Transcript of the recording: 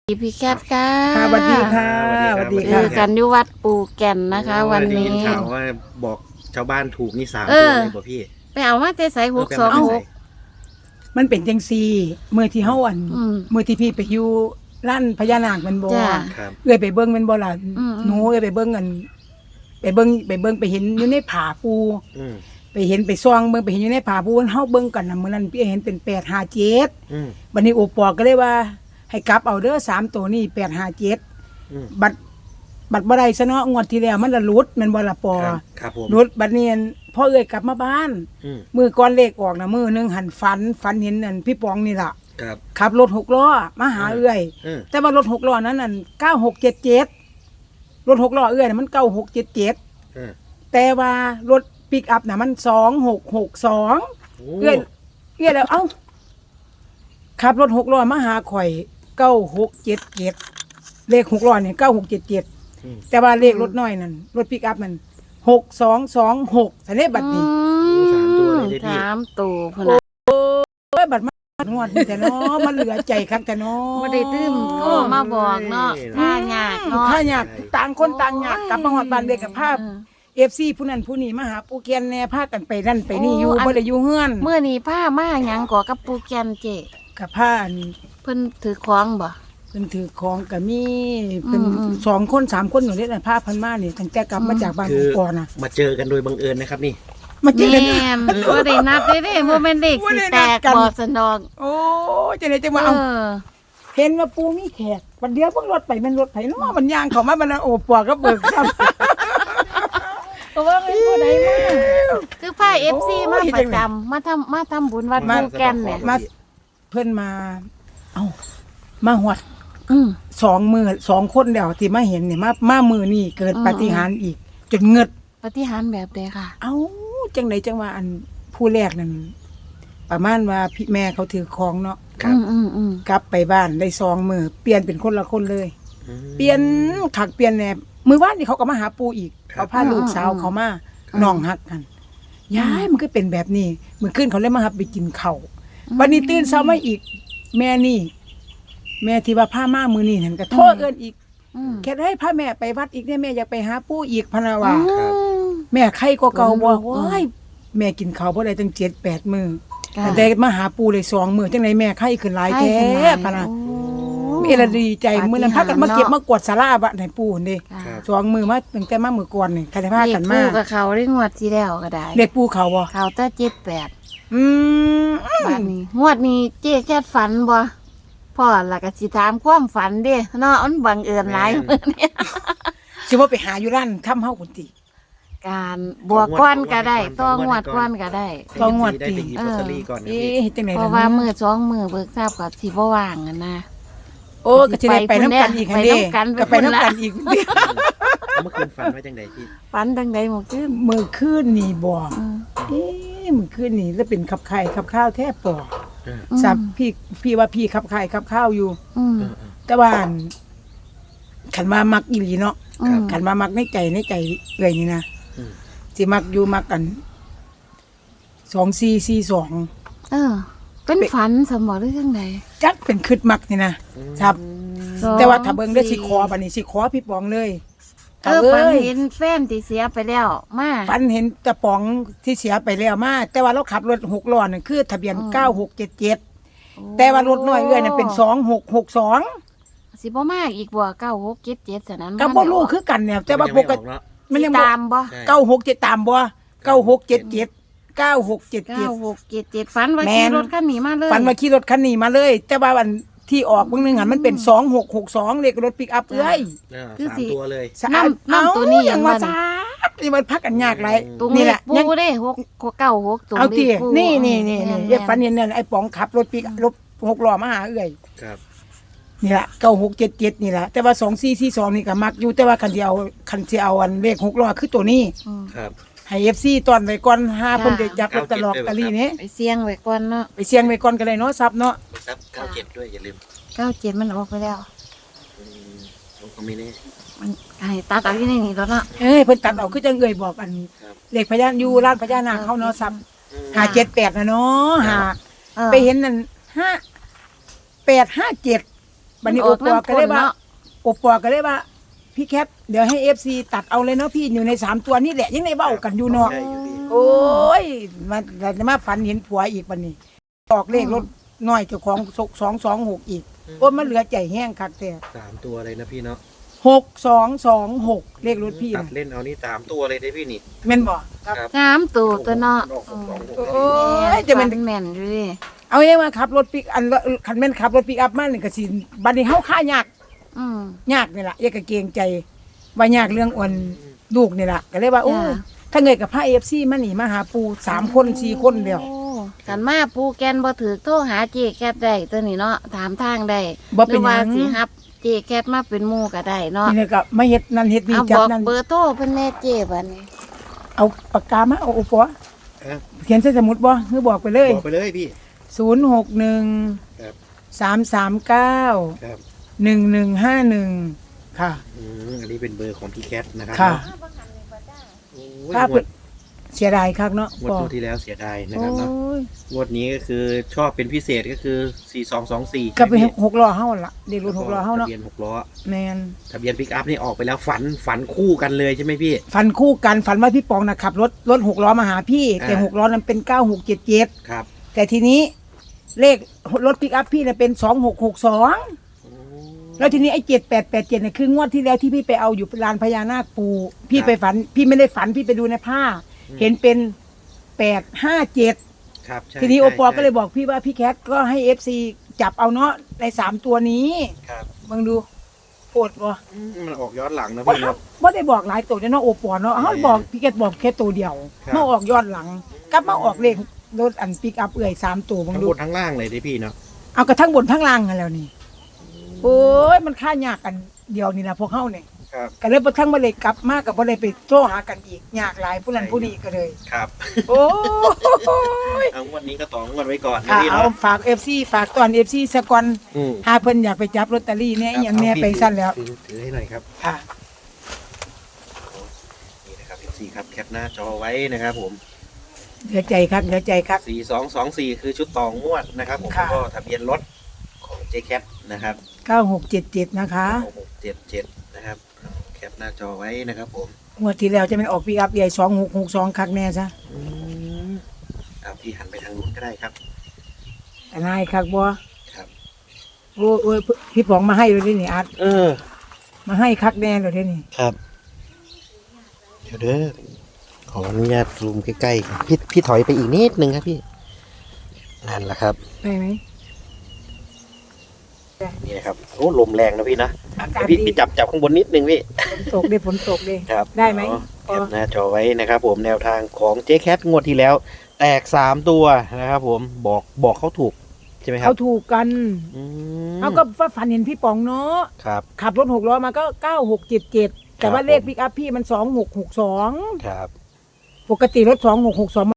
พี่แคทค่ะสวัสดีค่ะสวัสดีเจค่ะอกันที่วัดปู่แก่นนะคะ วันนี้ได้ยิข่าวว่าบอกชาวบ้านถูกนี่3 ตัวเลยบ่พี่ไปเอามาแต่ใส่626 มันเป็นจังซี่เมื่อที่เฮาอัน เมื่อที่พี่ไปอยู่ร้านพญานาคแมันบ่จ้ะครับเอ้ยไปเบิ่งแมันบ่ล่ะอืมหนูเอ้ยไปเบิ่งอันไปเบิ่งไปเห็นอยู่ในผาปูอืมไปเห็นไปซ่องเบิ่งไปเห็นอยู่ในผาปูเฮาเบิ่งกันน่ะมื้อนั้นพี่เห็นเป็น857 อืมบัดนี้โอปอก็เลยว่า ให้กลับเอาเด้อ3ตัวนี้857 อืมบัดบ่ได้ซะเนาะงวดที่แล้วมันละหลุดแม่นบ่ล่ะปอครับผมหลุดบัดนี้อั่นพ่อเอ้ยกลับมาบ้านอืมมือก้อนเลขออกนะมือหนึงหันฝันเห็นนั่นพี่ปองนี่ล่ะครับขับรถ6 ล้อมาหาเอื้อยอืมแต่ว่ารถ6 ล้อนั้นนั่น9677รถ6 ล้อเอื้อยน่ะมัน9677 อืมแต่ว่ารถปิกอัพน่ะมัน2662 โอ้เอื้อยแล้วเอ้าขับรถ6 ล้อมาหาข่อย9677เลข6 ล้อเนี่ย9677 อืมแต่ว่าเลขรถน้อยนั่นรถปิกอัพมัน6226ซะเด้บัดนี้ 3 ตัวเลยได้พี่ 3ตัวพุ่นน่ะเอ้ยบัดมางวดนี่แต่เนาะมันเหลือใจคักแต่เนาะบ่ได้ตื้มโทรมาบอกเนาะค่ายากเนาะถ้าอยากต่างคนต่างอยากกลับมาฮอดบ้านเด็กกับภาพ FC ผู้นั้นผู้นี้มาหาปู่เกียนแน่พากันไปนั่นไปนี่อยู่บ่ได้อยู่เฮือนเมื่อนี้ผ้ามาหยังก่อกับปู่แก่นเจกับพาอันเพิ่นถือของบ่เพิ่นถือของก็มีเพิ่นอืม 2 คน 3 คนอยู่นี่น่ะพาเพิ่นมานี่ตั้งแต่กลับมาจากบ้านคือปู่ปอน่ะมาเจอกันโดยบังเอิญนะครับนี่มาเจอกันแม่นบ่ได้นัดเด้บ่แม่นเลขสิแตกบ่สนองโอ้จังได๋จังว่าเอเอาอเห็นว่าปู่มีแขกวันเดียวเพิ่งรถไปแม่นรถไผเนาะมันย่างเข้ามามันโอ้ปอก็เบิกซ้ำก็ว่าเป็นผู้ใดมาคือผ้า FC มาโอ้ยประจำมาทำบุญวัดปู่แก่นเนี่ยมาเพิ่นมาเอ้ามาฮอดอืม 2 คนเดียวที่มาเห็นเนี่ยมามือนี่เกิดอืมปาฏิหาริย์อีก จนเงิดปฏิหารย์แบบใดค่ะเอ้าจังไดจังว่าอันผู้แรกนั่นประมาณว่าพี่แม่เขาถือของเนาะครับอืมกลับไปบ้านได้2 มือเปลี่ยนเป็นคนละคนเลยอืมเปลี่ยนขักเปลี่ยนแหนบมือว่านนี่เขาก็มาหาปูอีกครับเขาพาลูกสาวเขามาน้องฮักกันยายมันก็เป็นแบบนี้มื้อคืนเขาเลยมาหับไปกินข้าววันนี้ตื่นเช้ามาอีก แม่นี่ แม่ที่ว่าพามามื้อนี้นั่นก็โทษเอิ้นอีกอืมแค่ให้พาแม่ไปวัดอีกเนี่ยแม่อยากไปหาปู่อีกพะนะว่าครับแม่ไข้ก็เก่าบ่อืมว้ายแม่กินข้าวบ่ได้ตั้ง7-8 มื้อค่ะแต่มาหาปู่เลย2 มื้อจังไดแม่ไข้ขึ้นหลายแท้พะนะโอ้แม่ละดีใจมื้อนั้นพากันมาเก็บมากวาดศาลาบัดให้ปู่นี่ค่ะครับ 2 มื้อมาตั้งแต่มามื้อก่อนนี่ใครได้พากันมาเลขคู่กับเขาได้งวดที่แล้วก็ได้เด็กปู่เขาบ่เขาแต่78 อืมบ้านนี้งวดนี้เจ๊แค่ฝันบ่พ่อล่ะก็สิถามความฝันเด้เนาะมันบังเอิญหลายมื้อนี้สิว่าไปหาอยู่ร้านค่ำเฮาพุ่นติการบวกก้อนก็ได้ต้องงวดก้อนก็ได้ต้องงวดได้ไปหยิบลอตเตอรี่ก่อนนะเอ๊พี่ะจังได๋เพราะว่ามื้อ2มื้อเบิกทราบก็สิบ่ว่างอะนะโอ้ก็สิได้ไปนํกันอีกหั่นเด้ไปนำกันก็ไปนํกันอีกเมื่อคืนฝันว่าจังไดพี่ฝันจังได๋หมดขึ้นมื้อคืนนี่บ่อืมเอ๊ะมื้อคืนนี่แล้วเป็นขับไข่ขับข้าวแท้ปอเออสับพี่ว่าพี่ขับไข่ขับข้าวอยู่อืมเออแต่ว่าอั่นขันมามักอีหลีเนาะอืมขันมามักในใจเอ่ยนี่นะอืมสิมักอยู่มักกัน2442 เออ เป็นฝันสมบ่หรือจังไดจักเป็นคืดมักนี่นะครับ แต่ว่าถ้าเบิ่งได้สิขอบัดนี้สิขอพี่ปองเลยฝันอ้ยเห็นแฟนที่เสียไปแล้วมาฝันเห็นตะป๋องที่เสียไปแล้วมาแต่ว่าเราขับรถ6 ล้อนั่นคือทะเบียน9677แต่ว่ารถน้อยเอ้ยนั่นเป็น2662 สิบ่มาอีกบ่9677ซะนั้นก็บ่รู้คือกันเนี่ยแต่ว่าปกติเนาะมันยังตามบ่ใช่ 967ตามบ่9677 9677 ฝันว่าแม่ขี่นรถคันนี้มาเลยฝันว่าขี่รถคันนี้มาเลย แต่ว่าวันที่ออกเบิ่งหนึงหันมันเป็น2662เลขรถปิกอัพเอ้ยเออ3 ตัวเลยสะอาดน้ำตัวนี้ยังว่ายังว่าซาดนี่มันพักกันยากหลายตรงนี่นี้แหละปูยังเด้696ตรงเอาติปูนี่แม่เรียกฝันเห็นนั่นไอ้ป๋องขับรถปิกรถ6 ล้อมาหาเอ้ยครับนี่ล่ะ9677นี่ล่ะแต่ว่า2442นี่ก็มักอยู่แต่ว่าคันสิเอาอันเลข6 ล้อคือตัวนี้อืมครับให้ FC ตอนไว้ก่อนหาเพิ่นได้จับลอตเตอรี่นี้ไปเสี่ยงไว้ก่อนเนาะไปเสี่ยงไว้ก่อนก็ได้เนาะซับเนาะซับ97ด้วยอย่าลืม 97มันออกไปแล้วอืมผมก็ไม่แน่มันให้ตัดเอาอยู่ในนี้แล้วเนาะเอ้ยเพิ่นตัดเอาคือจังเอ่ยบอกอันครับเลขพญานอยู่ร้านพญานาคเขาเนาะซับอืม 578นะเนาะเออไปเห็นนั่น5 857 บัดนี้โอปอก็เลยว่าโอปอก็เลยว่าพี่แคทเดี๋ยวให้ FC ตัดเอาเลยเนาะพี่อยู่ใน3ตัวนี่แหละยังได้เว้ากันอยู่เนาะใช่อยู่พี่โอ้ยมาฝันเห็นผัวอีกบัดนี้ออกเลขรถน้อยเจ้าของ226อีกโอ้ยมันเหลือใจแห้งคักแต่ 3ตัวเลยนะพี่เนาะ 6226เลขรถพี่ตัดน่ะเล่นเอานี่3ตัวเลยได้พี่นี่แม่นบ่ครับครับ 3ตัวตัวเนาะออก626 โอ้เลยยจะเป็นแม่นอยู่ดิเอาเองว่าขับรถปิกอันคันแม่นขับรถปิกอัพมานี่ก็สิบัดนี้เฮาค่ายากอืมยากนี่ล่ะอย่าก็เกรงใจว่ายากเรื่องอ่อนลูกนี่ล่ะก็เลยว่าโอ้จ้ะถ้าเงยกับพระ FC มานี่มาหาปู3คน4คนเดียวโอ้กันมาปูแกนบ่ถือโทรหาเจแคทได้ตัวนี้เนาะถามทางได้บ่เป็นหรือหว่ายังสิฮับเจแคทมาเป็นหมู่ก็ได้เนาะนี่ก็มาเฮ็ดนั่นเฮ็ดนี่เอาจับบ อกนั่นเบอร์โทรเพิ่นแน่เจบัดนี้เอาปากกามาเอาโอปอเอ้าเขียนใส่สมุดบ่คือบอกไปเลยบอกไปเลยพี่ 061 ครับ 339 ครับ 1151ค่ะอันนี้เป็นเบอร์ของพี่แคทนะครัค่ะโอ้ยถ้างวดเสียดายคักเนาะงวดตัวที่แล้วเสียดายนะครับโอ้เนาะยงวดนี้ก็คือชอบเป็นพิเศษก็คือ4224 ก็ไปใช่ไหมพี่ 6ล้อเฮาล่ะเด็กรถ6ล้อเฮาเนาะทะเบียน6ล้อแม่นทะเบียนปิกอัพนี่ออกไปแล้วฝันคู่กันเลยใช่ไหมพี่ฝันคู่กันฝันว่าพี่ปองน่ะขับรถ6ล้อมาหาพี่ แต่อ่า 6ล้อนั้นเป็น9677 ครับแต่ทีนี้เลขรถปิกอัพพี่น่ะเป็น2662แล้วทีนี้ไอ้7887น่ะคืองวดที่แล้วที่พี่ไปเอาอยู่ลานพญานาคปูพี่ไปฝันพี่ไม่ได้ฝันพี่ไปดูในผ้า เห็นเป็น857 ครับใช่ทีนี้โอปอใช่ก็เลยบอกพี่ว่าพี่แคทก็ให้ FC จับเอาเนาะใน3ตัวนี้ครับเบิ่งดูโปดบ่มันออกย้อนหลังนะบ่พี่เนาะบ่ได้บอกหลายตัวเนาะโอปอเนาะเฮาบอกพี่แคทบอกแค่ตัวเดียวครับมาออกย้อนหลังกลับมาออกเลขรถอันปิกอัพเอื่อย3ตัวเบิ่งทั้งดูบนทั้งล่างเลยได้พี่เนาะเอากระทั่งบนทั้งล่างกันแล้วนี่โอ้ยมันค่ายากกันเดียวนี่นะพวกเฮาเนี่ยครับก็เลยบ่ทั้งบ่เลยกลับมากับบ่ได้ไปโทรหากันอีกยากหลายผู้นั้นผู้นี้ก็เลยครับโอ้ยเอางวดนี้ก็ต่องวดไว้ก่อนนะค่ะพี่เอาเนาะฝาก FC ฝากตอน FC ซะก่อนอืมหาเพิ่นอยากไปจับลอตเตอรี่เนี่ยอหย่างเนี้ยเอาพี่ไปสั้นแล้วถือให้หน่อยครับค่ะนี่นะครับพี่ครับแคปหน้าจอไว้นะครับผมเหลือใจครับเหลือใจครับ 4224คือชุดต่องวดนะครับผมค่ะก็ทะเบียนรถของเจแคปนะครับ 9677นะคะ 677นะครับแคปหน้าจอไว้นะครับผมงวดที่แล้วจะเป็นออกปีอัพใหญ่2662คักแน่ซะเอาพี่หันไปทางนู้นก็ได้ครับอันนายคักบ่ครับโอ้ยพี่ป๋องมาให้เลยนี่อาร์ตเออมาให้คักแน่เลยนี่ครับเดี๋ยวเด้อขออนุญาตซูมใกล้ๆครับพี่ถอยไปอีกนิดนึงครับพี่นั่นแหละครับได้ไหมนี่นะครับโอ้ลมแรงนะพี่นะอากาศพี่ดีพี่จับข้างบนนิดนึงพี่ฝนตกดิครับได้ไหมแคปหน้าจอไว้นะครับ ผมแนวทางของเจ๊แคทงวดที่แล้ว แตก3ตัวนะครับ ผมบอกเขาถูกใช่ไหมครัเขาบถูกกันอืมเขาก็ฝันเห็นพี่ป๋องเนาะครับขับรถ6ล้อมาก็9677แต่ว่าครับเลขปิกอัพพี่มัน2662 ครับปกติรถ2662